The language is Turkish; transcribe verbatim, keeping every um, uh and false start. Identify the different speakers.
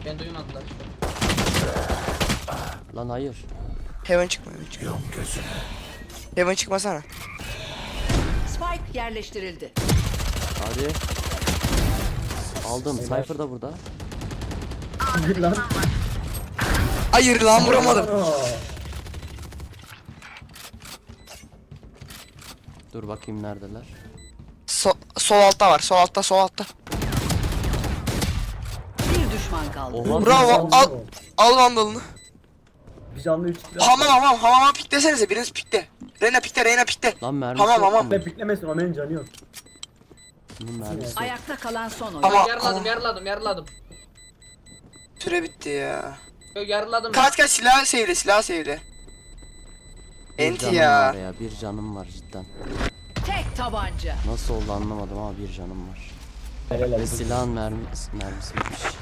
Speaker 1: Ben duymadılar.
Speaker 2: Lan hayır.
Speaker 3: Heaven çıkma, Heaven çıkma. Heaven çıkmasana.
Speaker 4: Spike yerleştirildi.
Speaker 2: Hadi. Aldım. Cypher da burada.
Speaker 5: Gir lan.
Speaker 3: Hayır lan vuramadım.
Speaker 5: Aa,
Speaker 2: Dur bakayım neredeler.
Speaker 3: So sol altta var. Sol altta, sol altta.
Speaker 4: Bir düşman kaldı.
Speaker 2: Oha.
Speaker 3: Bravo. Al al vandalını.
Speaker 5: Bir canlı üç kill.
Speaker 3: Hamam hamam hamama piklesenize. Biriniz pikle. Reyna pikle, Reyna pikle.
Speaker 2: Lan mermisi
Speaker 3: Tamam,
Speaker 2: yok
Speaker 3: tamam.
Speaker 2: mu?
Speaker 5: Ve piklemesin, Ömer'in canı yok.
Speaker 2: Bunun mermisi yok.
Speaker 4: Ayakta kalan son oyun.
Speaker 3: Ama-
Speaker 1: yarladım
Speaker 3: ama-
Speaker 1: yarladım yarladım.
Speaker 3: Süre bitti ya.
Speaker 1: Yo, yarladım.
Speaker 3: Kaç kaç silah sevdi, silah sevdi.
Speaker 2: Bir
Speaker 3: Enti
Speaker 2: canım
Speaker 3: ya.
Speaker 2: var ya. Bir canım var cidden.
Speaker 4: Tek tabanca.
Speaker 2: Nasıl oldu anlamadım ama bir canım var.
Speaker 5: Helal
Speaker 2: Ve
Speaker 5: olsun.
Speaker 2: silahın mermi mermisi bitmiş.